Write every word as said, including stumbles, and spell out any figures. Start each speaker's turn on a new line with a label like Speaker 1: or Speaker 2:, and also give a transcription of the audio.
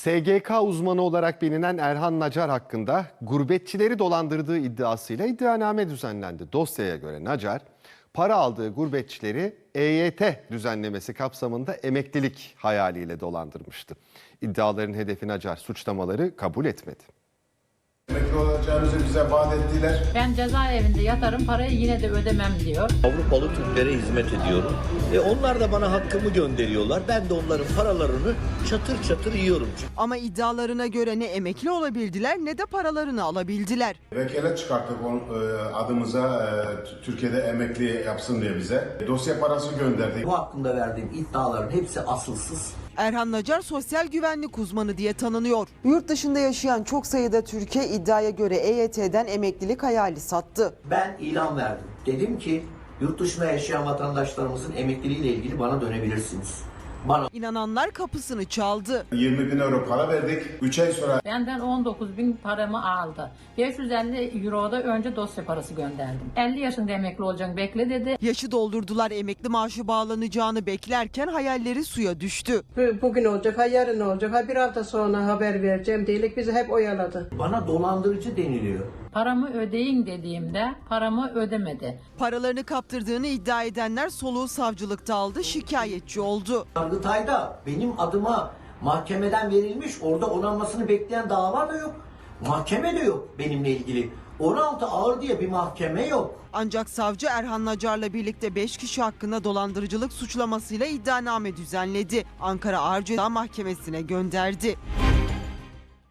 Speaker 1: S G K uzmanı olarak bilinen Erhan Nacar hakkında gurbetçileri dolandırdığı iddiasıyla iddianame düzenlendi. Dosyaya göre Nacar, para aldığı gurbetçileri E Y T düzenlemesi kapsamında emeklilik hayaliyle dolandırmıştı. İddiaların hedefi Nacar suçlamaları kabul etmedi.
Speaker 2: Emekli olacağımızı bize vaat ettiler.
Speaker 3: Ben cezaevinde yatarım, parayı yine de ödemem diyor.
Speaker 4: Avrupalı Türklere hizmet ediyorum. E onlar da bana hakkımı gönderiyorlar. Ben de onların paralarını çatır çatır yiyorum.
Speaker 5: Ama iddialarına göre ne emekli olabildiler ne de paralarını alabildiler.
Speaker 2: Vekalet çıkarttık on, e, adımıza e, Türkiye'de emekli yapsın diye bize. Dosya parası gönderdik.
Speaker 4: Bu hakkında verdiğim iddiaların hepsi asılsız.
Speaker 5: Erhan Nacar sosyal güvenlik uzmanı diye tanınıyor. Yurt dışında yaşayan çok sayıda Türkiye iddiaya göre E Y T'den emeklilik hayali sattı.
Speaker 4: Ben ilan verdim. Dedim ki yurt dışında yaşayan vatandaşlarımızın emekliliğiyle ilgili bana dönebilirsiniz. Bana
Speaker 5: İnananlar kapısını çaldı.
Speaker 2: yirmi bin euro para verdik. üç ay sonra
Speaker 3: Benden on dokuz bin paramı aldı. beş yüz elli euro da önce dosya parası gönderdim. elli yaşında emekli olacaksın, bekle dedi.
Speaker 5: Yaşı doldurdular, emekli maaşı bağlanacağını beklerken hayalleri suya düştü.
Speaker 6: Bugün olacak, ha yarın olacak, ha bir hafta sonra haber vereceğim diyelim bizi hep oyaladı.
Speaker 4: bana dolandırıcı deniliyor.
Speaker 3: Paramı ödeyin dediğimde paramı ödemedi.
Speaker 5: Paralarını kaptırdığını iddia edenler soluğu savcılıkta aldı, şikayetçi oldu.
Speaker 4: Yargıtay'da benim adıma mahkemeden verilmiş, orada onanmasını bekleyen dava da yok. Mahkeme de yok benimle ilgili. on altı ağır diye bir mahkeme yok.
Speaker 5: Ancak savcı Erhan Nacar'la birlikte beş kişi hakkında dolandırıcılık suçlamasıyla iddianame düzenledi. Ankara Ağır Ceza Mahkemesi'ne gönderdi.